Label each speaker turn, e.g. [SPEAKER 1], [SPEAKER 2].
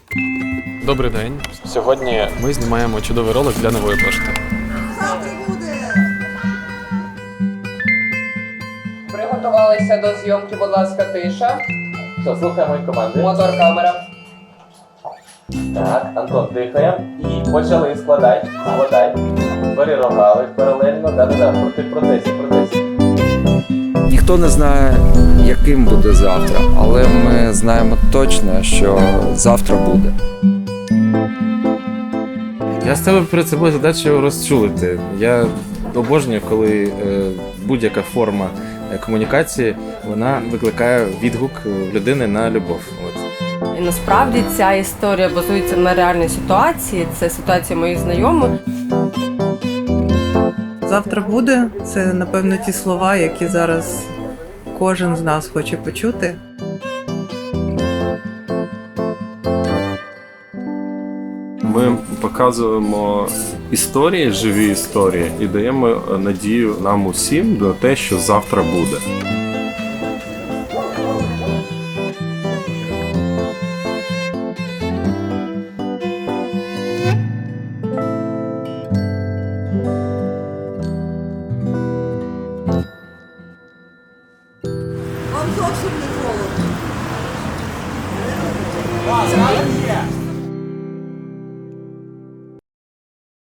[SPEAKER 1] Добрий день. Сьогодні ми знімаємо чудовий ролик для Нової пошти.
[SPEAKER 2] Завтра буде!
[SPEAKER 3] Приготувалися до зйомки, будь ласка, тиша.
[SPEAKER 4] Все, слухаємо і команди.
[SPEAKER 3] Мотор, камера.
[SPEAKER 4] Так, Антон, дихаємо. І почали. Складай. Перерогали паралельно. Да-да-да, протесі.
[SPEAKER 5] Ніхто не знає, яким буде завтра, але ми знаємо точно, що завтра буде.
[SPEAKER 6] Я ставив перед собою задачу розчулити. Я обожнюю, коли будь-яка форма комунікації, вона викликає відгук людини на любов.
[SPEAKER 7] І насправді ця історія базується на реальній ситуації. Це ситуація моїх знайомих.
[SPEAKER 2] Завтра буде. Це, напевно, ті слова, які зараз кожен з нас хоче почути.
[SPEAKER 8] Ми показуємо історії, живі історії, і даємо надію нам усім на те, що завтра буде.
[SPEAKER 2] Вам зовсім не холодно.